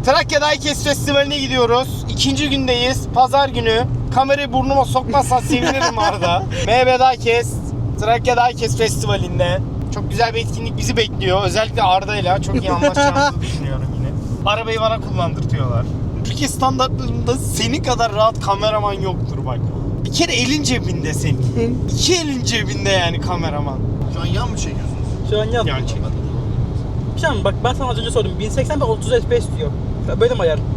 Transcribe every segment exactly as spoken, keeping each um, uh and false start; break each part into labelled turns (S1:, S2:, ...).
S1: Trakya Diecast Festivali'ne gidiyoruz. İkinci gündeyiz. Pazar günü. Kamerayı burnuma sokmazsan sevinirim Arda. M B Diecast, Trakya Diecast Festivali'nde. Çok güzel bir etkinlik bizi bekliyor. Özellikle Arda'yla çok iyi anlaşacağımızı düşünüyorum yine. Arabayı bana kullandırtıyorlar. Türkiye standartlarında senin kadar rahat kameraman yoktur bak. Bir kere elin cebinde senin. İki elin cebinde yani kameraman.
S2: Şu an yan mı çekiyorsunuz?
S3: Şu an yan.
S1: Yan çek.
S3: Bir şey mi? Bak ben sana az önce sordum. bin seksen ve otuz F P S diyor. Böyle mi ayar?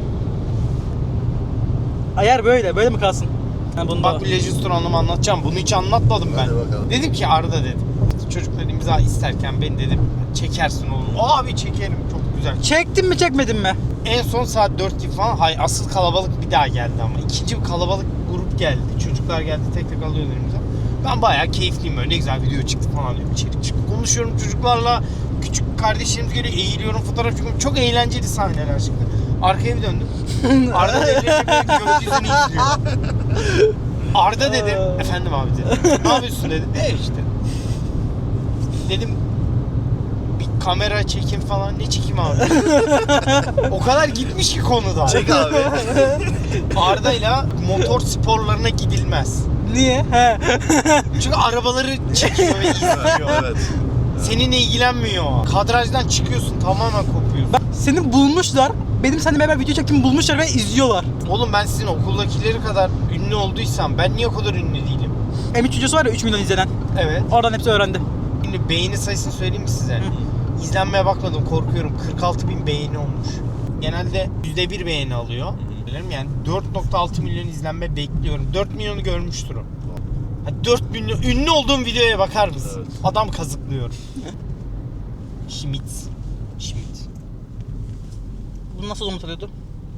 S3: Ayar böyle. Böyle mi kalsın? Yani bunda.
S1: Bak bir Legistronumu anlatacağım. Bunu hiç anlatmadım ben.
S2: Hadi bakalım.
S1: Dedim ki Arda dedim. Çocuklar imza isterken ben dedim çekersin oğlum. Abi çekerim çok güzel.
S3: Çektin mi çekmedin mi?
S1: En son saat dört gibi falan hay asıl kalabalık bir daha geldi ama. İkinci bir kalabalık grup geldi. Çocuklar geldi tek tek alıyorlar imza. Ben bayağı keyifliyim böyle ne güzel video çıktı falan diyorum. İçeri çıkıp konuşuyorum çocuklarla. Küçük kardeşlerimiz geliyor eğiliyorum fotoğraf çekiyorum. Çok eğlenceli sahneler çıktı. Arkaya bir döndüm. Arda da ellerinde gökyüzünü izliyor. Arda dedi. Efendim abi dedi. Ne yapıyorsun dedi. E işte. Dedim bir kamera çekim falan ne çekeyim abi. O kadar gitmiş ki konuda.
S2: Çek abi.
S1: Arda'yla motor sporlarına gidilmez.
S3: Niye? He.
S1: Çünkü arabaları çekiyor ve izliyor.
S2: Evet.
S1: Seninle ilgilenmiyor. Kadrajdan çıkıyorsun tamamen kopuyorsun.
S3: Bak, seni bulmuşlar. Benim seninle beraber video çektiğimi bulmuşlar ve izliyorlar.
S1: Oğlum ben sizin okuldakileri kadar ünlü olduysam ben niye o kadar ünlü değilim?
S3: M üç videosu var ya üç milyon izlenen.
S1: Evet.
S3: Oradan hepsi öğrendi.
S1: Şimdi beğeni sayısını söyleyeyim mi size?
S3: Hı.
S1: İzlenmeye bakmadım korkuyorum. kırk altı bin beğeni olmuş. Genelde yüzde bir beğeni alıyor. Bilirim yani dört nokta altı milyon izlenme bekliyorum. dört milyonu görmüştür o. Ha, dört milyon ünlü olduğum videoya bakar mısın?
S2: Evet.
S1: Adam kazıklıyor. Schmidt. Schmidt.
S3: Bunu nasıl umut alıyordu?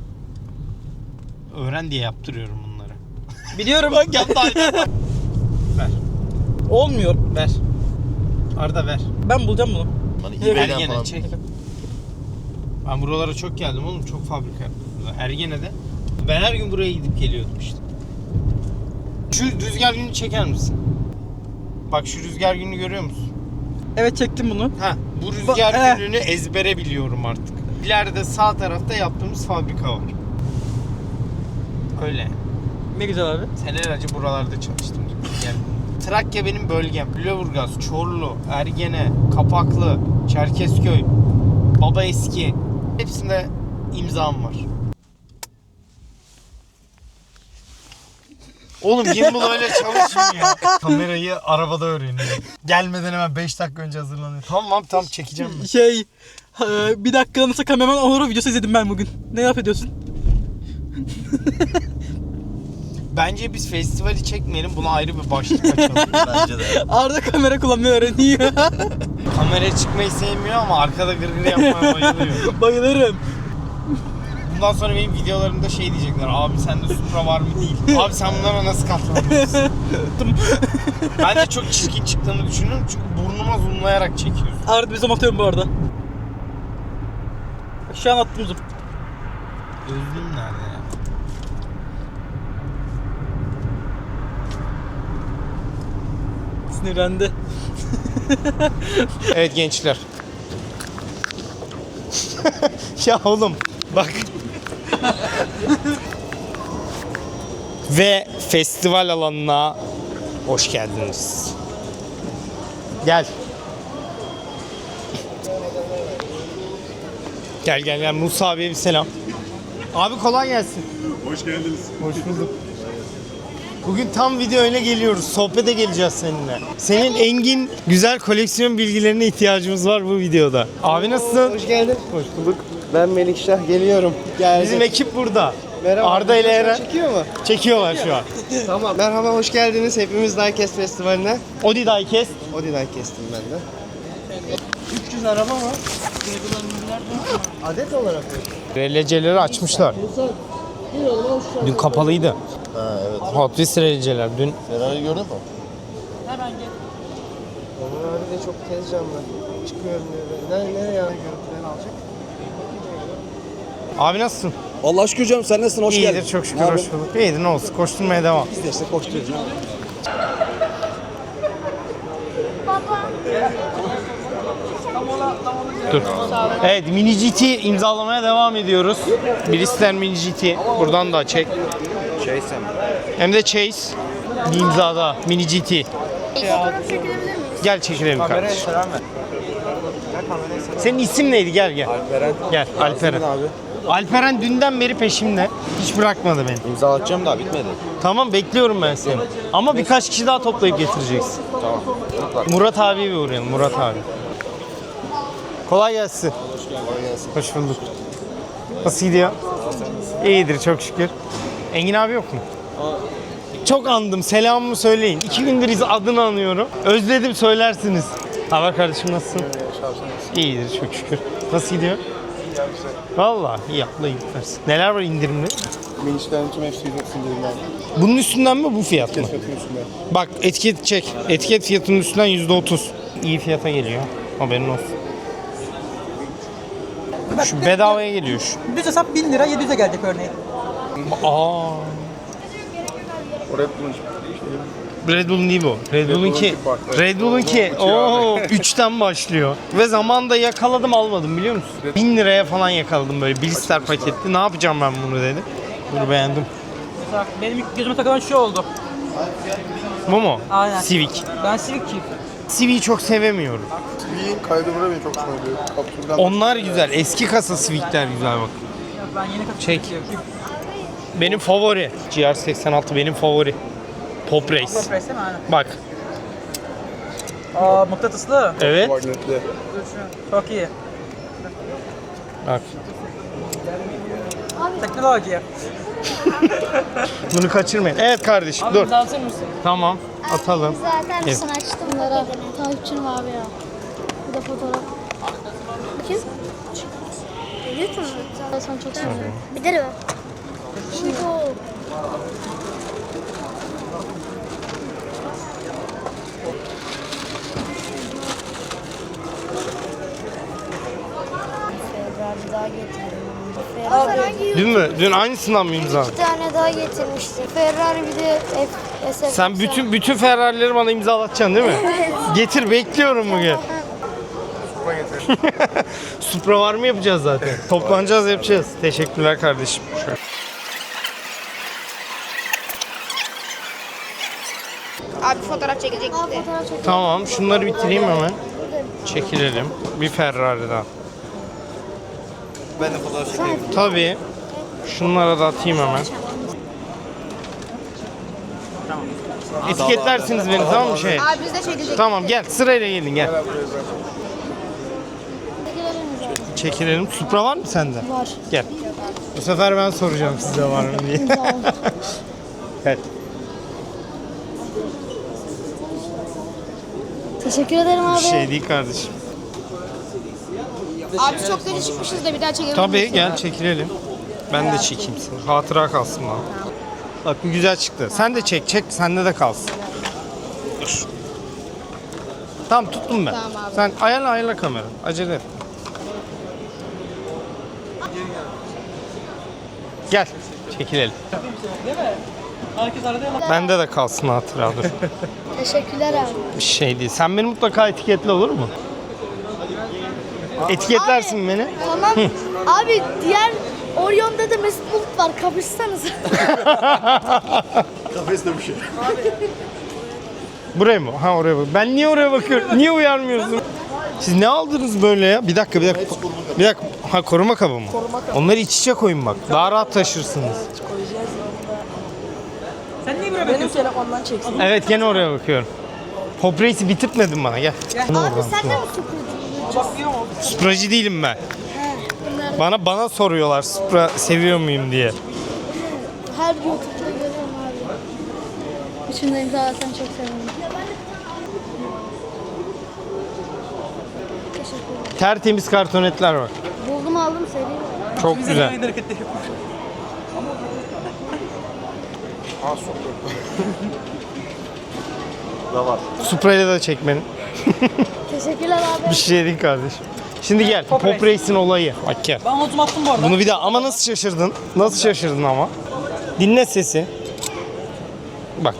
S1: Öğren diye yaptırıyorum bunları.
S3: Biliyorum.
S1: Bak yaptı. Ver.
S3: Olmuyor.
S1: Ver. Arda ver.
S3: Ben bulacağım bunu.
S2: Hani
S3: Evet.
S2: eBay'den
S1: Ergene
S2: falan.
S1: çek. Ben buralara çok geldim oğlum. Çok fabrika yaptım burada. Ergene'de. Ben her gün buraya gidip geliyordum işte. Şu rüzgar gününü çeker misin? Bak şu rüzgar gününü görüyor musun?
S3: Evet çektim bunu.
S1: Ha, bu rüzgar
S3: Ba-
S1: gününü ezbere biliyorum artık. İleride sağ tarafta yaptığımız fabrika var. Öyle.
S3: Ne güzel abi.
S1: Senelerce buralarda çalıştım. Yani Trakya benim bölgem. Lüleburgaz, Çorlu, Ergene, Kapaklı, Çerkezköy, Babaeski. Hepsinde imzam var. Oğlum gimbal öyle çalışmıyor. Kamerayı arabada öğreniyor. Gelmeden hemen beş dakika önce hazırlanıyor. Tamam tam çekeceğim ben.
S3: Şey, e, bir dakika nasıl kameraman olur videosu izledim ben bugün. Ne yapıyorsun?
S1: Bence biz festivali çekmeyelim. Buna ayrı bir başlık açalım.
S2: Bence de.
S3: Arda kamera kullanmayı öğreniyor.
S1: Kameraya çıkmayı sevmiyor ama arkada gırgır yapmaya bayılıyor.
S3: Bayılırım.
S1: Bundan sonra benim videolarımda şey diyecekler. Abi sende Supra var mı değil. Abi sen bunlara nasıl katlanıyorsun? Ben de çok çirkin çıktığını düşünüyorum çünkü burnuma zoomlayarak çekiyorsun.
S3: Arda bir zoom atıyorum bu arada. Şu an attım zoom.
S1: Gözlüğüm nerede ya?
S3: Sinirlendi.
S1: Evet gençler. Ya oğlum bak. Ve festival alanına hoş geldiniz. Gel. Gel gel gel Musa abiye bir selam. Abi kolay gelsin.
S4: Hoş geldiniz.
S1: Hoş bulduk. Bugün tam video öyle geliyoruz. Sohbete geleceğiz seninle. Senin engin güzel koleksiyon bilgilerine ihtiyacımız var bu videoda. Abi nasılsın?
S5: Hoş geldin.
S1: Hoş bulduk.
S5: Ben Melikşah geliyorum. Geldim.
S1: Bizim ekip burada.
S5: Merhaba.
S1: Arda ile Eren
S5: Çekiyor mu?
S1: çekiyorlar şu an.
S5: Tamam. Merhaba, hoş geldiniz hepimiz Diecast Festivali'ne.
S1: Odi Diecast.
S5: Odi Diecast'im ben de. üç yüz araba var. Adet olarak mı?
S1: R L C'leri açmışlar. Dün kapalıydı.
S2: Ha evet.
S1: Hot Wheels R L C'ler dün.
S2: Ferrari gördün mü?
S5: Onun abi de çok tez canlı. Çıkıyorum diyor. Nereye, nereye yani görüntüleri alacak?
S1: Abi nasılsın?
S6: Allah şükür canım, sen nasılsın? Hoş
S1: İyidir
S6: geldin.
S1: çok şükür
S6: Ne
S1: hoş
S6: yapıyorsun?
S1: bulduk. İyidir ne olsun koşturmaya devam.
S6: Biz de işte koşturuyoruz.
S1: Dur. Evet, Mini G T imzalamaya devam ediyoruz. Bristol Mini G T. Buradan da çek.
S2: Chase mi?
S1: Hem de Chase. Bir imzada Mini G T.
S4: Fotoğraf çekilebilir miyiz?
S1: Gel çekilelim kardeşim. Senin isim neydi? Gel gel.
S2: Alperen.
S1: Gel Alperen.
S2: Abi.
S1: Alperen dünden beri peşimde. Hiç bırakmadı beni.
S2: İmza atacağım daha bitmedi.
S1: Tamam, bekliyorum ben seni. Ama birkaç kişi daha toplayıp getireceksin.
S2: Tamam.
S1: Murat abiye bir uğrayalım. Murat abi. Kolay gelsin. Hoş bulduk. Nasıl gidiyor? İyidir çok şükür. Engin abi yok mu? Çok andım. Selamımı söyleyin. İki gündür iz- adını anıyorum. Özledim, söylersiniz. Haber kardeşim, nasılsın? İyidir çok şükür. Nasıl gidiyor? Vallahi iyi, Allah iyilik versin. Neler var indirimli?
S6: Minişlerin tüm hepsi indirimler.
S1: Bunun üstünden mi, bu fiyat mı?
S6: Fiyatın üstünde.
S1: Bak, etiket çek. Etiket fiyatının üstünden yüzde otuz. İyi fiyata geliyor. Haberin olsun. Şu bedavaya geliyor şu.
S3: Düz hesap bin lira yedi yüze gelecek örneğin.
S1: Aa.
S6: Oraya bulmuş.
S1: Red Bull'un değil bu. Red Bull'unki.
S6: farklı.
S1: Red Bull'unki. Oo, üçten başlıyor. Ve zamanında yakaladım, almadım biliyor musun? bin liraya falan yakaladım böyle blister paketli. Ne yapacağım ben bunu dedim. Bunu beğendim.
S3: Mesela benim ilk gözüme takılan şu oldu.
S1: Bu mu?
S3: Aynen.
S1: Civic.
S3: Ben Civic'çiyim.
S1: Civic'i çok sevemiyorum.
S6: Civic'in kaydı bura beni çok hoşuma gidiyor. Kaptürden
S1: Onlar güzel. Eski kasa Civic'ler güzel bak.
S3: Ben yeni kapı
S1: Çek. Benim favori. G R seksen altı benim favori. Top Race.
S3: Top Race değil mi? Aynen.
S1: Bak.
S3: Aa mıknatıslı.
S1: Evet.
S6: magnetli.
S3: Çok iyi.
S1: Bak.
S3: Teknoloji.
S1: Bunu kaçırmayın. Evet kardeşim, dur.
S3: Hazır mısın?
S1: Tamam. Atalım.
S4: Zaten
S1: Evet.
S4: sana açtım bunlara. Takipçim abi ya. Bu da fotoğraf. Kim? YouTube mu? Ben sana çok seviyorum. Bir de mi? Şimdi o.
S7: Ferrari daha getirdim.
S4: Abi
S7: Ferrari
S1: Dün mü? Dün aynısından mı imza?
S7: iki tane daha getirmişti. Ferrari bir de F S F.
S1: Sen bütün bütün Ferrari'leri bana imzalatacaksın değil mi? Getir, bekliyorum bugün. Supra var mı yapacağız zaten? Toplanacağız, yapacağız. Teşekkürler kardeşim. Şöyle.
S7: Abi fotoğraf çekecekti.
S4: Abi fotoğraf çekelim.
S1: Tamam, şunları bitireyim hemen. Çekilelim. Bir Ferrari daha.
S2: Ben de fotoğraf çekeyim.
S1: Tabii. Şunlara da atayım hemen. Etiketlersiniz beni, tamam mı şey?
S7: Abi biz de çekecektik.
S1: Tamam, gel sırayla gelin, gel.
S4: Çekilelim mi zaten?
S1: Çekilelim. Supra var mı sende?
S4: Var.
S1: Gel. Bu sefer ben soracağım size var mı diye.
S4: İmza al.
S1: Gel.
S4: Teşekkür ederim abi.
S1: Bir şey değil kardeşim.
S7: Abi biz çok deli çıkmışız da bir daha çekelim.
S1: Tabii, gel çekilelim. Ben de çekeyim seni. Hatıra kalsın bana. Bak bu güzel çıktı. Sen de çek, çek. Sende de kalsın. Dur. Tamam, tuttum ben.
S7: Tamam abi.
S1: Sen ayarla ayarla kamera. Acele et. Gel. Çekilelim.
S3: Değil mi? Herkes arada ama.
S1: Bende de kalsın hatıra, dur.
S4: Teşekkürler abi.
S1: Bir şey değil. Sen beni mutlaka etiketle, olur mu? Etiketlersin beni.
S4: Tamam. Abi diğer Orion'da da Mesut Bulut var. Kapışsanız.
S2: Kafeste bir şey.
S1: Buraya mı? Ha, oraya bak. Ben niye oraya bakıyorum? Niye uyarmıyorsun? Siz ne aldınız böyle ya? Bir dakika, bir dakika. Bir dakika. Ha, koruma kabı mı? Onları iç içe koyun bak. Daha rahat taşırsınız.
S3: Sen niye böyle bakıyorsun? Benim telefondan çeksin.
S1: Evet, gene oraya bakıyorum. Pop Race'i bitirtmedin bana, gel.
S4: Abi sen de mi Supra'cı?
S3: Bakıyor mu?
S1: Supracı değilim ben. Bana bana soruyorlar Supra seviyor muyum diye.
S4: Her YouTube'da görüyorum abi. Üçünde imza alsan çok sevinirim. Teşekkür ederim.
S1: Tertemiz kartonetler var.
S4: Buldum aldım seri.
S1: Çok
S3: Bize
S1: güzel.
S3: aynı hareketleri yapıyor.
S6: Ha soktu.
S2: Da var.
S1: Supra'yla da çek beni.
S4: Teşekkürler abi.
S1: Bir şey değil kardeşim. Şimdi gel. Pop Race'in olayı. Bak gel.
S3: Ben notumu attım bu arada.
S1: Bunu bir daha, ama nasıl şaşırdın? Nasıl şaşırdın ama? Dinle sesi. Bak.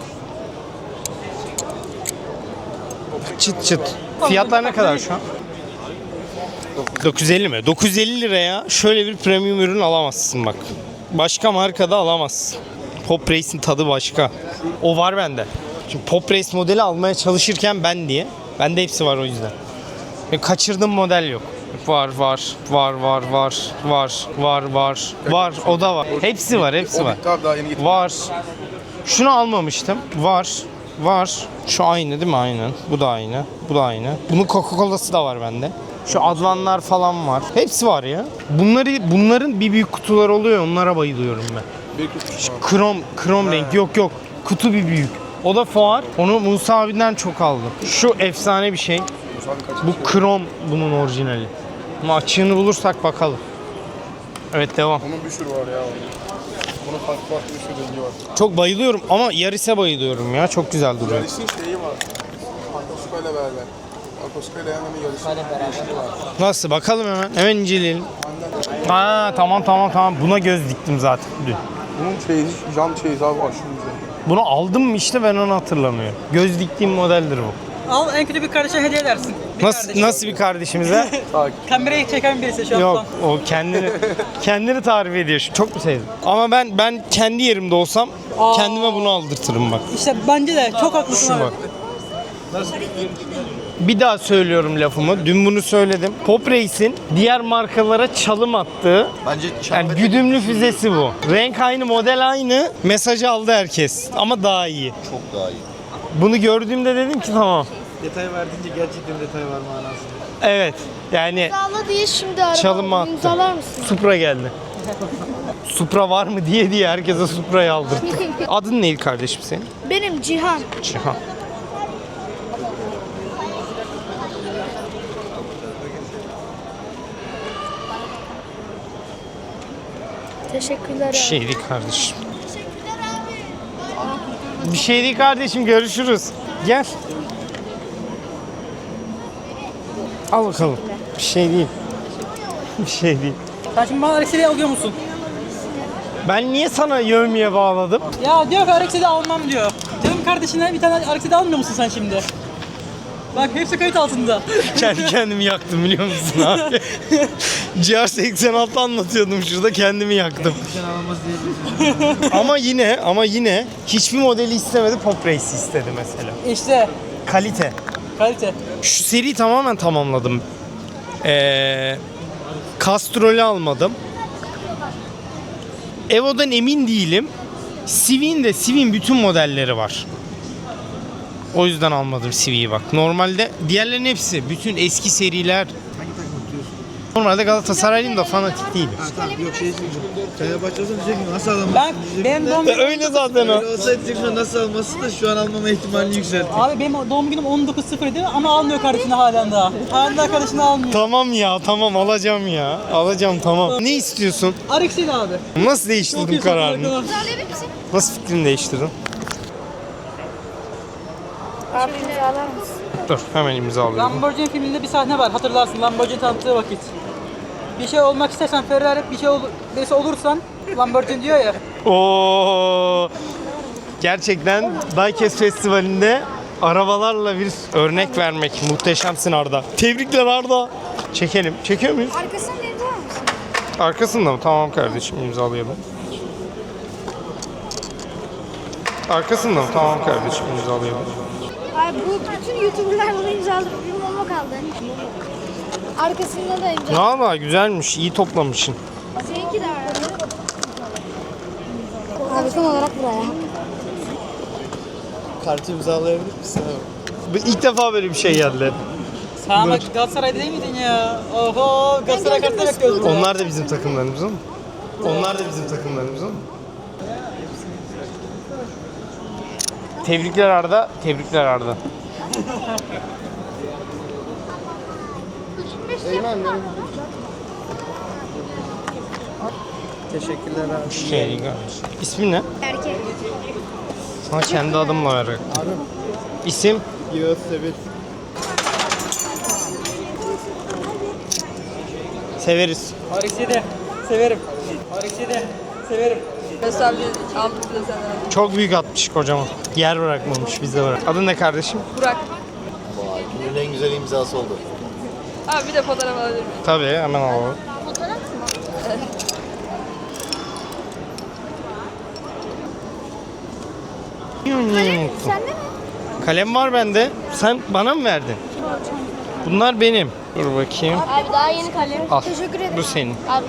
S1: Çıt çıt. Fiyatlar ne kadar şu an? dokuz yüz elli mi? dokuz yüz elli liraya şöyle bir premium ürün alamazsın bak. Başka markada alamazsın. Pop Race'in tadı başka. O var bende. Şimdi Pop Race modeli almaya çalışırken ben diye. Bende hepsi var o yüzden. Ve kaçırdığım model yok. Var var var var var var var var var o da var. Hepsi var hepsi
S6: O
S1: var.
S6: bitti abi daha yeni getirdim.
S1: Var. Şunu almamıştım. Var. Var. Şu aynı değil mi? Aynen. Bu da aynı. Bu da aynı. Bunun Coca-Cola'sı da var bende. Şu Advanlar falan var. Hepsi var ya. Bunları bunların bir büyük kutular oluyor. Onlara bayılıyorum ben.
S6: Bir kutu.
S1: Krom krom renk. Yok yok. Kutu bir büyük. O da fuar. Onu Musa abinden çok aldım. Şu efsane bir şey. Bu krom bunun orijinali. Ama açığını bulursak bakalım. Evet devam.
S6: Onun bir sürü var ya. Bunun farklı farklı bir sürü rengi var.
S1: Çok bayılıyorum ama Yaris'e bayılıyorum ya. Çok güzel duruyor.
S6: Yaris'in şeyi var. Akoska ile beraber. Akoska ile yanında Yaris'in.
S1: Nasıl? Bakalım hemen. Hemen inceleyelim. Aa tamam tamam tamam. Buna göz diktim zaten dün.
S6: Bunun şeyi, jant şeyi abi aşırı güzel.
S1: Bunu aldım mı işte ben onu hatırlamıyorum. Göz diktiğim modeldir bu.
S3: Al en kötü bir kardeşe hediye edersin. Bir
S1: Nasıl
S3: kardeşe.
S1: nasıl bir kardeşimize?
S3: Kamerayı çeken birisi şu an.
S1: Yok o kendini kendini tarif ediyor. Şu- Çok mu sevdim? Ama ben ben kendi yerimde olsam
S3: Aa.
S1: kendime bunu aldırtırım bak.
S3: İşte bence de çok haklısın
S1: Şu
S3: abi.
S1: bak. Bir daha söylüyorum lafımı. Dün bunu söyledim. Pop Race'in diğer markalara çalım attığı
S2: Bence
S1: yani güdümlü füzesi bu. Renk aynı, model aynı. Mesajı aldı herkes. Ama daha iyi.
S2: çok daha iyi.
S1: Bunu gördüğümde dedim ki tamam.
S5: Detay verdiğince gerçekten detay var manasında.
S1: Evet. Yani
S4: İmzala diye şimdi araba
S1: Çalınma
S4: aldım.
S1: attı.
S4: İmzalar mısın?
S1: Supra geldi. Supra var mı diye diye herkese Supra'yı aldırdı. Adın neydi kardeşim senin?
S4: Benim Cihan.
S1: Cihan.
S4: Teşekkürler
S1: Bir
S4: abi.
S1: şey değil kardeşim. Bir şey değil kardeşim, görüşürüz. Gel. Al bakalım. Bir şey değil. Bir şey değil.
S3: Sen şimdi bana Alex'i alıyor musun?
S1: Ben niye sana yövmeye bağladım?
S3: Ya diyor ki Alex'i almam diyor. Diyorum kardeşine bir tane Alex'i almıyor musun sen şimdi? Bak hepsi kayıt altında.
S1: Kendi kendimi yaktım biliyor musun abi? G R seksen altı anlatıyordum şurada, kendimi yaktım. Ama yine ama yine hiçbir modeli istemedi, Pop Race istedi mesela.
S3: İşte
S1: Kalite.
S3: kalite.
S1: Şu seriyi tamamen tamamladım. Ee, Castrol'ü almadım. Evo'dan emin değilim. Civic'in de Civic'in bütün modelleri var. O yüzden almadım Civic'i bak. Normalde diğerlerin hepsi, bütün eski seriler. Normalde Galatasaraylıyım da fanatik değilim.
S5: Tamam yok şey diyeceğim. Fenerbahçe'den diyecek ki nasıl alamazsın?
S3: Ben benim doğum günüm
S1: Öyle zaten o.
S5: Öyle olsaydı diyecek nasıl alması da şu an almama ihtimalini yükseltti.
S3: Abi benim doğum günüm on dokuz sıfır idi ama almıyor kardeşini halen daha. Halen daha kardeşini almıyor.
S1: Tamam ya, tamam alacağım ya. Alacağım tamam. Ne istiyorsun?
S3: Alex'i abi.
S1: Nasıl
S3: Çok
S1: değiştirdin
S3: iyi
S1: kararını?
S3: satılıyor.
S1: Nasıl fikrini değiştirdin?
S7: Abi imzalar mısın?
S1: Dur hemen imzalıyorum.
S3: Lamborghini filminde bir sahne var hatırlarsın Lamborghini tanıttığı vakit. Bir şey olmak istersen Ferrari, bir şey ol, birisi olursan Lamborghini diyor ya.
S1: Oo. Gerçekten Diecast Festivali'nde arabalarla bir örnek vermek. Muhteşemsin Arda. Tebrikler Arda. Çekelim. Çekiyor muyuz?
S7: Arkasını imzalar mısın?
S1: Arkasında mı? Tamam kardeşim, imzalayalım. Arkasında mı? Tamam kardeşim, imzalayalım.
S7: Ay bu bütün YouTuber'lar bunu imzaladı. Bir mama kaldı. Arkasında da imza.
S1: Valla güzelmiş. İyi toplamışsın.
S7: Seninki de var. Abi son olarak buraya.
S5: Kartı imzalayabilir misin abi?
S1: Bu ilk defa böyle bir şey geldi.
S3: Sen ama Galatasaray'da değil miydin ya? Oho Galatasaray kartını bekliyoruz. burada.
S1: Onlar da bizim takımlarımızın. Onlar da bizim takımlarımızın. Tebrikler Arda. Tebrikler Arda.
S5: Teşekkürler abi.
S1: Şey değil kardeşim. İsmin ne?
S7: Erkek.
S1: Sana kendi adımla ver. İsim?
S5: Yağız Sebet.
S1: Severiz.
S3: Alex'i de severim. Alex'i de severim.
S1: Çok büyük atmış kocaman. Yer bırakmamış, bize bırak. Adın ne kardeşim?
S2: Günün en güzel imzası oldu.
S8: Abi bir de fotoğraf alabilir miyim?
S1: Tabii hemen alalım.
S4: Fotoğraf mı? Sende mi?
S1: Kalem var bende. Sen bana mı verdin? Bunlar benim. Dur bakayım.
S4: Abi daha yeni kalem.
S1: Al.
S4: Teşekkür ederim.
S1: Bu senin.
S4: Abi.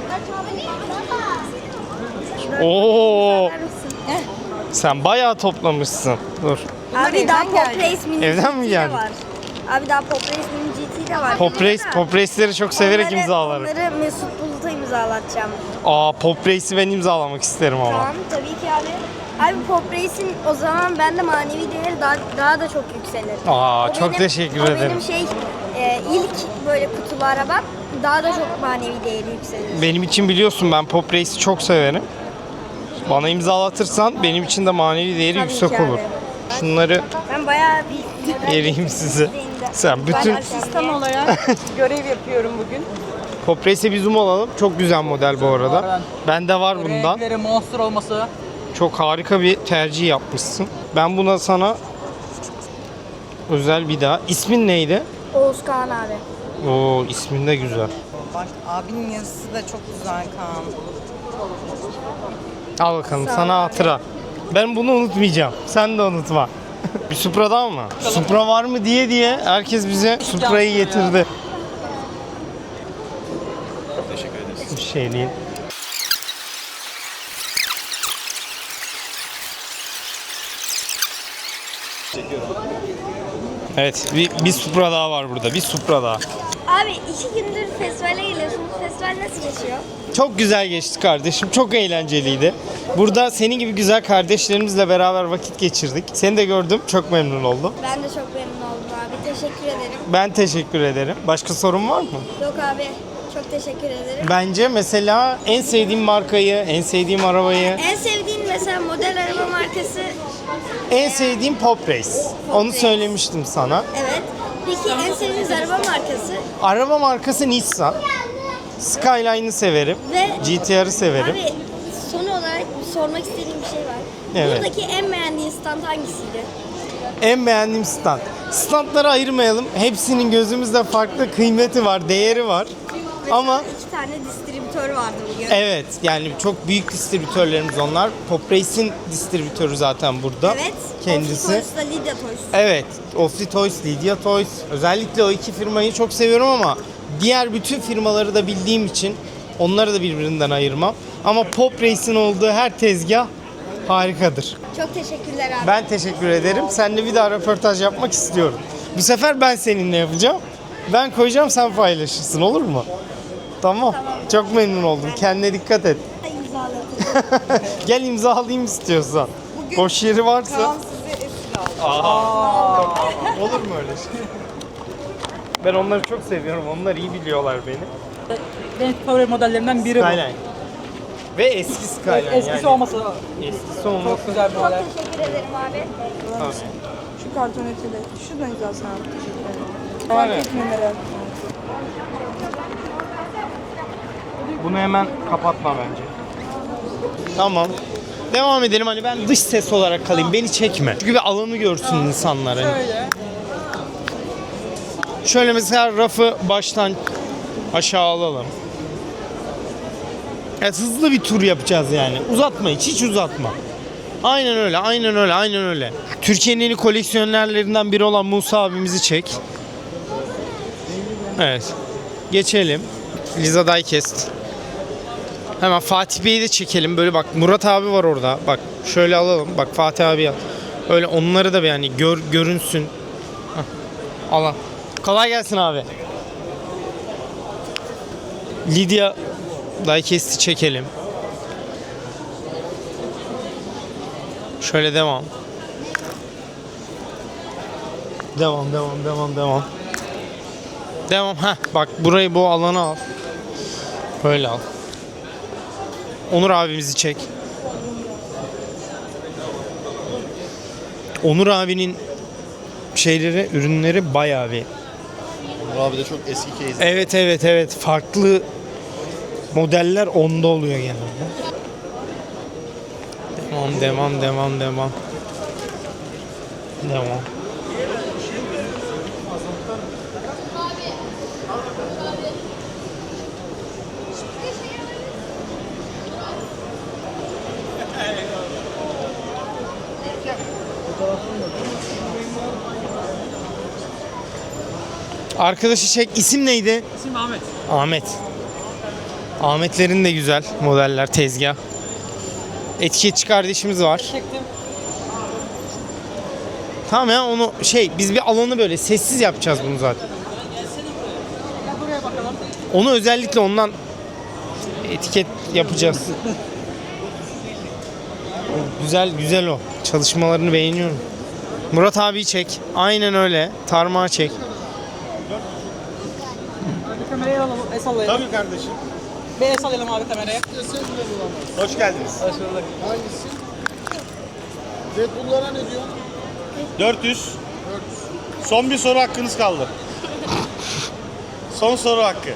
S1: Oo. Sen bayağı toplamışsın. Dur.
S8: Abi daha Pop Race Mini
S1: Evden mi
S8: G T
S1: geldin?
S8: var. Abi daha Pop Race Mini G T de var.
S1: Pop Race, Pop Race'leri çok severek
S8: Onları-
S1: imzalarım.
S8: Onları Mesut Bulut'a imzalatacağım.
S1: Aa, Pop Race'i ben imzalamak isterim ama.
S8: Tamam tabii ki abi. Abi Pop Race'in o zaman bende manevi değeri daha, daha da çok yükselir.
S1: Aa,
S8: O
S1: çok
S8: benim-
S1: teşekkür
S8: o
S1: ederim.
S8: benim şey e, ilk böyle kutulu arabam daha da çok manevi değeri yükselir.
S1: Benim için biliyorsun ben Pop Race'i çok severim. Bana imzalatırsan benim için de manevi değeri
S8: Tabii
S1: yüksek
S8: ki abi.
S1: olur. Şunları
S8: Ben bayağı bir
S1: vereyim size. Sen bütün
S3: Asistan olarak görev yapıyorum bugün.
S1: Pop Race'e bir zoom alalım. Çok güzel model bu arada. Bende var bundan.
S3: Renkleri monster olması.
S1: Çok harika bir tercih yapmışsın. Ben buna sana özel bir daha. İsmin neydi?
S8: Oğuz Kağan abi.
S1: Oo, ismin de güzel.
S9: Bak abinin yazısı da çok güzel Kaan.
S1: Al bakalım sana hatıra. Ben bunu unutmayacağım. Sen de unutma. Bir Supra daha mı? Supra var mı diye diye herkes bize Supra'yı getirdi.
S2: Teşekkür ederiz.
S1: Bir şey değil. Evet, bir, bir Supra daha var burada. Bir Supra daha.
S8: Abi iki gündür festivale geliyorsunuz. Festival nasıl geçiyor?
S1: Çok güzel geçti kardeşim. Çok eğlenceliydi. Burada senin gibi güzel kardeşlerimizle beraber vakit geçirdik. Seni de gördüm. Çok memnun oldum.
S8: Ben de çok memnun oldum abi. Teşekkür ederim.
S1: Ben teşekkür ederim. Başka sorun var mı?
S8: Yok abi. Çok teşekkür ederim.
S1: Bence mesela en sevdiğim markayı, en sevdiğim arabayı,
S8: En sevdiğin mesela model araba markası
S1: en sevdiğim Pop Race. Onu söylemiştim sana.
S8: evet. Peki en sevdiğiniz araba markası?
S1: Araba markası Nissan. Skyline'ı severim.
S8: Ve
S1: G T R'ı severim.
S8: abi son olarak sormak istediğim bir şey var.
S1: Evet.
S8: Buradaki en beğendiğin stand hangisiydi?
S1: En beğendiğim stand. Standları ayırmayalım. Hepsinin gözümüzde farklı kıymeti var, değeri var. Ama
S8: iki tane distribütör vardı bugün.
S1: evet, yani çok büyük distribütörlerimiz onlar. Pop Race'in distribütörü zaten burada.
S8: Evet.
S1: Kendisi.
S8: Toys'la Lidya Toys.
S1: Evet, Ofli Toys, Lydia Toys. Özellikle o iki firmayı çok seviyorum ama diğer bütün firmaları da bildiğim için onları da birbirinden ayırmam. Ama Pop Race'in olduğu her tezgah harikadır.
S8: Çok teşekkürler abi.
S1: Ben teşekkür ederim. Seninle bir daha röportaj yapmak istiyorum. Bu sefer ben seninle yapacağım. Ben koyacağım, sen paylaşırsın, olur mu? Tamam. Çok memnun oldum. Kendine dikkat et.
S8: İmzalatın.
S1: Gel imzalayayım istiyorsan. Boş yeri varsa.
S9: Kaan size esir aldı.
S1: Aa, olur mu öyle şey? Ben onları çok seviyorum. Onlar iyi biliyorlar beni.
S3: Benim favori modellerinden biri
S1: Skyline. Ve eski
S3: bu.
S1: Skyline
S3: Eskisi
S1: yani.
S3: olmasa
S1: Eskisi olması.
S3: çok güzel bir model.
S8: Çok teşekkür ederim abi.
S1: Tabii.
S9: Şu karton ötede. Şuradan imzasını abi. Teşekkür ederim.
S1: Var
S9: Fark
S1: ya.
S9: etme merak etme.
S1: Bunu hemen kapatma bence. Tamam. Devam edelim, hani ben dış ses olarak kalayım, beni çekme. Çünkü bir alanı görsün insanlar. Hani.
S3: Şöyle.
S1: Şöyle mesela rafı baştan aşağı alalım. Evet, hızlı bir tur yapacağız yani. Uzatma hiç, hiç uzatma. Aynen öyle, aynen öyle, aynen öyle. Türkiye'nin en iyi koleksiyonerlerinden biri olan Musa abimizi çek. Evet. Geçelim. Liza Diecast. Hemen Fatih Bey'i de çekelim. Böyle bak, Murat abi var orada. Bak şöyle alalım. Bak Fatih abi al. Öyle onları da bir yani gör, görünsün. Hah. Al al. Kolay gelsin abi. Lydia Diecast'i çekelim. Şöyle devam. Devam, devam, devam, devam. Devam. Heh, bak burayı, bu alanı al. Böyle al. Onur abimizi çek. Onur abinin şeyleri, ürünleri bayağı bir.
S2: Onur abi de çok eski case.
S1: Evet, evet, evet. Farklı modeller onda oluyor genelde. Devam, devam, devam, devam. Devam. Arkadaşı çek. İsim neydi?
S3: İsim Ahmet.
S1: Ahmet. Ahmetlerin de güzel modeller, tezgah. Etiketçi kardeşimiz var.
S3: Çektim.
S1: Tamam ya, onu şey, biz bir alanı böyle sessiz yapacağız bunu zaten.
S3: Gel buraya bakalım.
S1: Onu özellikle ondan etiket yapacağız. Güzel güzel o. Çalışmalarını beğeniyorum. Murat abi çek. Aynen öyle. Tarmağı çek.
S3: Bir kamerayı alalım. El sallayalım.
S2: Tabii kardeşim.
S3: Bir el sallayalım abi kameraya.
S2: Hoş geldiniz.
S3: Hoş bulduk.
S6: Red Bull'lara ne diyor?
S2: dört yüz. Son bir soru hakkınız kaldı. Son soru hakkı.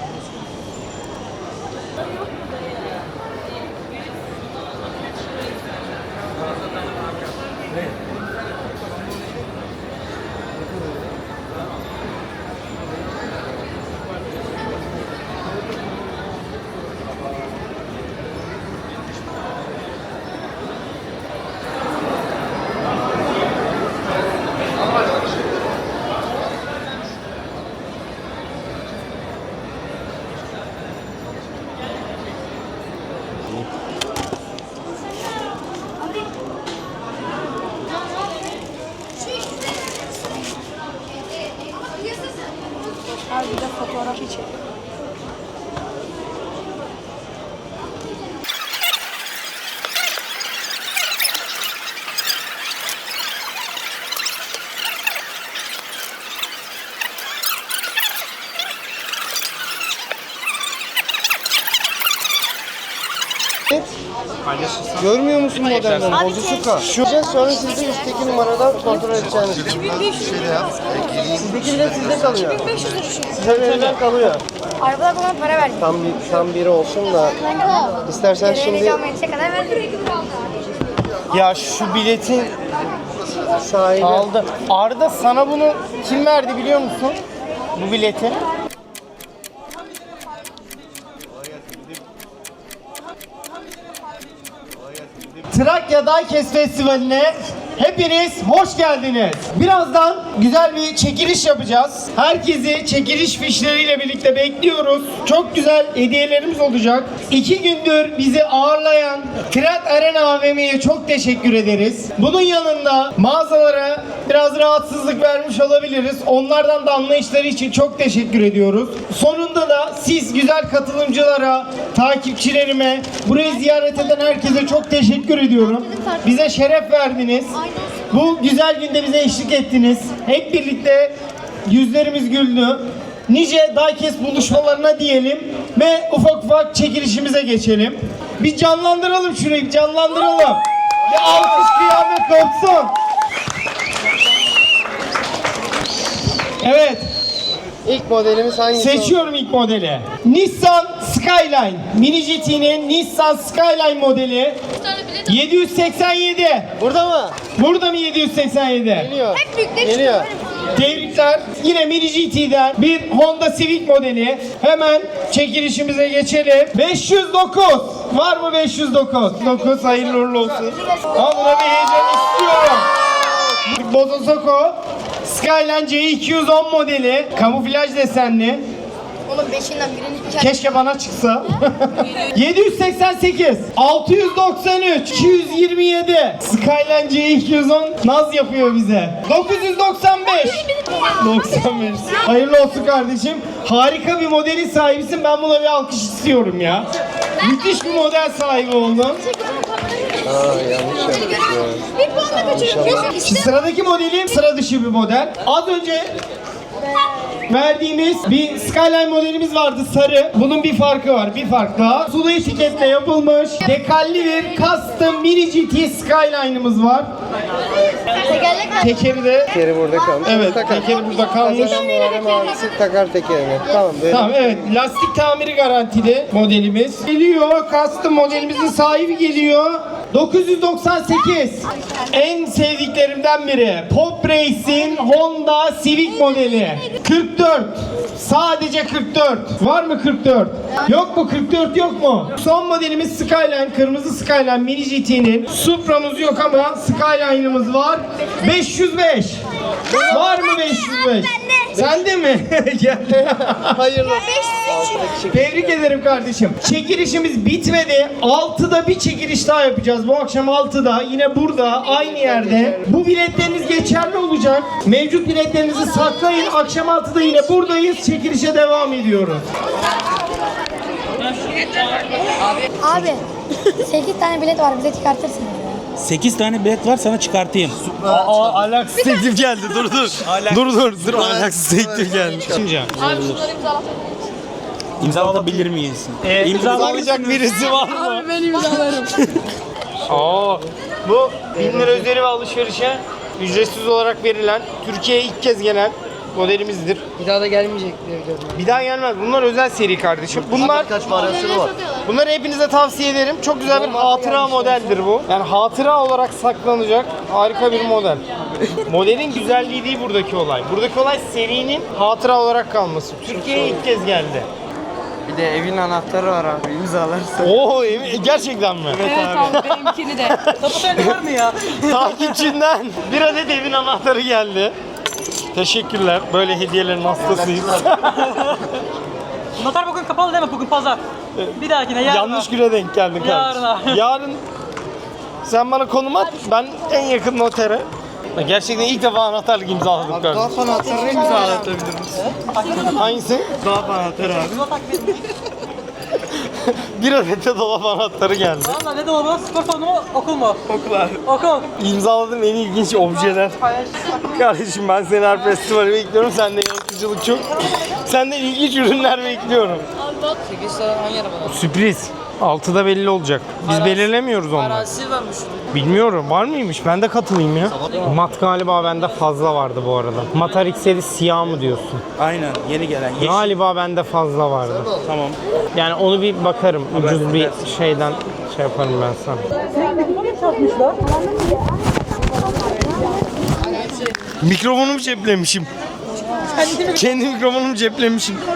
S9: Abi bir de fotoğraf çek.
S5: Görmüyor musun modelleri? Bozusuka. Şu sonra siz de üstteki numaradan kontrol edeceğiniz.
S2: Şey de yap.
S5: Sizdeki de sizde kalıyor. Size verilen kalıyor.
S8: Arabada bana para verdi.
S5: Tam bir, tam biri olsun da istersen şimdi
S8: Yetişe kadar verdi.
S1: Ya şu biletin
S5: sahibi.
S1: aldı. Arda, sana bunu kim verdi biliyor musun? Bu bileti. Trakya Diecast Festivali'ne hepiniz hoş geldiniz. Birazdan güzel bir çekiliş yapacağız. Herkesi çekiliş fişleriyle birlikte bekliyoruz. Çok güzel hediyelerimiz olacak. İki gündür bizi ağırlayan Trend Arena A V M'ye çok teşekkür ederiz. Bunun yanında mağazalara biraz rahatsızlık vermiş olabiliriz. Onlardan da anlayışları için çok teşekkür ediyoruz. Sonunda da siz güzel katılımcılara, takipçilerime, burayı ziyaret eden herkese çok teşekkür ediyorum. Bize şeref verdiniz. Bu güzel günde bize eşlik ettiniz. Hep birlikte yüzlerimiz güldü. Nice Diecast buluşmalarına diyelim ve ufak ufak çekilişimize geçelim. Bir canlandıralım şurayı, bir canlandıralım. Bir alkış kıyamet kopsun. Evet.
S5: İlk modelimiz hangisi?
S1: Seçiyorum ilk modeli. Nissan Skyline. Mini G T'nin Nissan Skyline modeli. yedi yüz seksen yedi.
S5: Burada mı?
S1: Burada mı yedi yüz seksen yedi?
S5: Geliyor.
S8: Hep büyükleri
S5: Geliyor.
S1: Tebrikler. Yine Mini G T'den bir Honda Civic modeli. Hemen çekilişimize geçelim. beş yüz dokuz. Var mı beş yüz dokuz? dokuz hayırlı uğurlu olsun. Al, buna bir heyecan istiyorum. Bozosoko Skyline C iki yüz on modeli. Kamuflaj desenli.
S8: Onun beşinden birini
S1: Keşke bana çıksa. yedi yüz seksen sekiz, altı yüz doksan üç, iki yüz yirmi yedi. Skyline C iki yüz on naz yapıyor bize. dokuz yüz doksan beş. doksan beş. Hayırlı olsun kardeşim. Harika bir modelin sahibisin. Ben buna bir alkış istiyorum ya. Müthiş bir model sahibi oldun.
S5: Aa, yanlış yapmışım.
S8: bir puan da kaçırıyorum.
S1: Şimdi sıradaki modelim sıra dışı bir model. Az önce verdiğimiz bir Skyline modelimiz vardı, sarı. Bunun bir farkı var, bir fark daha. Sulu etiketle yapılmış dekalli bir custom mini G T Skyline'ımız var.
S8: Tekerlek var.
S1: Tekeri de
S5: Tekeri burada kalmış.
S1: evet,
S5: Takar.
S1: tekeri burada kalmış.
S5: Kazanan numara mavisi takar tekerine. Tamam böyle.
S1: Tamam, evet, lastik tamiri garantili modelimiz. Geliyor, custom modelimizin sahibi geliyor. dokuz yüz doksan sekiz. En sevdiklerimden biri. Pop Race'in Honda Civic modeli. kırk dört. Sadece kırk dört. Var mı kırk dört? Yok mu? kırk dört yok mu? Son modelimiz Skyline. Kırmızı Skyline Mini G T'nin. Supra'mız yok ama Skyline'ımız var. beş yüz beş. Var mı beş yüz beş? Sende mi? Hayırlı. Tebrik ederim kardeşim. Çekilişimiz bitmedi. altıda bir çekiliş daha yapacağız. Bu akşam altıda yine burada aynı yerde. Bu biletleriniz geçerli olacak. Mevcut biletlerinizi saklayın. Akşam altıda yine buradayız. Çekilişe devam ediyoruz.
S4: Abi sekiz tane bilet var bize çıkartırsın.
S10: sekiz tane bilet var sana çıkartayım.
S1: Aa, alaksız teklif geldi. Dur dur. dur dur. Dur alaksız teklif geldi. Şimdi.
S10: İmzalatabilir miyiz?
S1: Ee, imzalayacak birisi var mı?
S9: Abi ben imzalarım.
S1: Aa, bu bin lira üzeri ve alışverişe ücretsiz olarak verilen, Türkiye'ye ilk kez gelen modelimizdir.
S5: Bir daha da gelmeyecek diye biliyorum.
S1: Bir daha gelmez. Bunlar özel seri kardeşim. Bunlar
S5: Kaç varyasını var?
S1: Bunları hepinize tavsiye ederim. Çok güzel bir hatıra modeldir bu. Yani hatıra olarak saklanacak harika bir model. Modelin güzelliği değil buradaki olay. Buradaki olay serinin hatıra olarak kalması. Türkiye'ye ilk kez geldi.
S5: Bir de evin anahtarı var abi imzalarsın.
S1: Oo, emin- gerçekten mi?
S9: Evet abi benimkini de.
S3: Tapu elinde var mı ya?
S1: Takipçinden bir adet evin anahtarı geldi. Teşekkürler. Böyle hediyelerin hastasıyız.
S3: Noter bugün kapalı değil mi? Bugün pazar. Bir dahakine yarın.
S1: Yanlış güne denk geldin kardeşim.
S3: Yarın.
S1: Yarın sen bana konum at. Ben en yakın notere. Gerçekten ilk defa anahtarlık imzaladım kardeşim.
S5: Anahtarını imzalatabilir misin?
S1: Hangisi?
S5: Dolap anahtarı abi.
S1: Bir adet de dolap anahtarı geldi.
S3: Valla ne dolabı? Spor salonu mu? Okul mu?
S5: Okul abi.
S3: Okul.
S1: İmzaladığım en ilginç objeler. Kardeşim ben seni her festivale bekliyorum. Senden yaratıcılık çok. Senden ilginç ürünler bekliyorum.
S5: sekiz tane hangi arabada?
S1: Sürpriz. altıda belli olacak. Biz belirlemiyoruz onları.
S5: Arası varmış.
S1: Bilmiyorum. Var mıymış? Ben de katılayım ya. Mat galiba bende fazla vardı bu arada. Mat R X'leri siyah mı diyorsun?
S10: Aynen yeni gelen. Yeşil.
S1: Galiba bende fazla vardı.
S10: Tamam.
S1: Yani onu bir bakarım. Ucuz bir şeyden şey yaparım ben sana. Mikrofonumu ceplemişim. Kendi mikrofonumu ceplemişim.